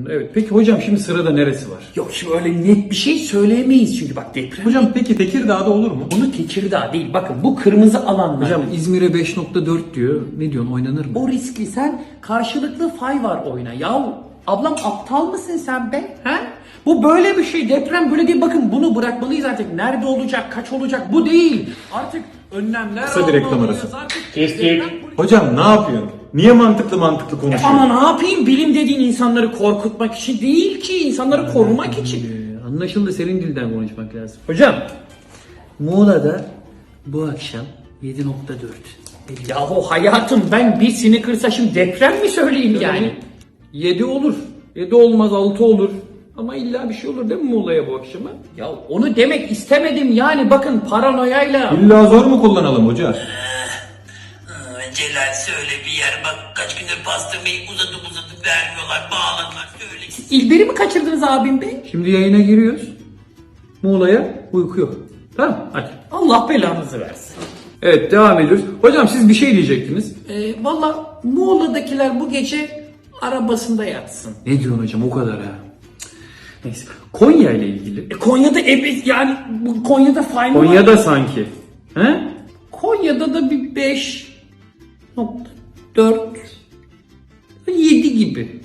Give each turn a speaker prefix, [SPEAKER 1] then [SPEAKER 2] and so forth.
[SPEAKER 1] Evet. Peki hocam şimdi sırada neresi var?
[SPEAKER 2] Yok şimdi öyle net bir şey söyleyemeyiz çünkü bak deprem.
[SPEAKER 1] Hocam peki Tekirdağ'da olur mu?
[SPEAKER 2] Bunu Tekirdağ değil. Bakın bu kırmızı alanlar.
[SPEAKER 1] Hocam İzmir'e 5.4 diyor. Ne diyorsun, oynanır mı?
[SPEAKER 2] O riskli, sen karşılıklı fay var oyna. Yahu ablam aptal mısın sen be? He? Bu böyle bir şey. Deprem böyle değil. Bakın bunu bırakmalıyız artık. Nerede olacak, kaç olacak bu değil. Artık önlemler
[SPEAKER 1] Kısa bir reklam
[SPEAKER 2] almalıyız.
[SPEAKER 1] arası.
[SPEAKER 2] Artık
[SPEAKER 3] Kestik.
[SPEAKER 2] deprem-
[SPEAKER 1] Hocam ne yapıyorsun? Niye mantıklı konuşuyorsun?
[SPEAKER 2] Ama ne yapayım? Bilim dediğin insanları korkutmak için değil ki. İnsanları korumak için.
[SPEAKER 1] Anlaşıldı, senin dilden konuşmak lazım. Hocam Muğla'da bu akşam 7.4.
[SPEAKER 2] Yahu hayatım ben bir Snickers'a şimdi deprem mi söyleyeyim yani?
[SPEAKER 1] 7 olur. 7 olmaz, 6 olur. Ama illa bir şey olur değil mi Muğla'ya bu akşama?
[SPEAKER 2] Ya onu demek istemedim yani bakın paranoyayla.
[SPEAKER 1] İlla zor mu kullanalım hoca?
[SPEAKER 3] Celal söyle bir yer bak kaç gündür pastırmayı uzatıp vermiyorlar bağladılar söyle.
[SPEAKER 2] İlberi mi kaçırdınız abim bey?
[SPEAKER 1] Şimdi yayına giriyoruz. Muğla'ya uyku yok. Tamam, hadi.
[SPEAKER 2] Allah belanızı versin.
[SPEAKER 1] Evet, devam ediyoruz. Hocam siz bir şey diyecektiniz.
[SPEAKER 2] Valla Muğla'dakiler bu gece arabasında yatsın.
[SPEAKER 1] Ne diyorsun hocam, o kadar ha? Neyse. Konya ile ilgili.
[SPEAKER 2] Konya'da yani bu Konya'da fay mı var?
[SPEAKER 1] Konya'da sanki. He?
[SPEAKER 2] Konya'da da bir 5.4 7 gibi.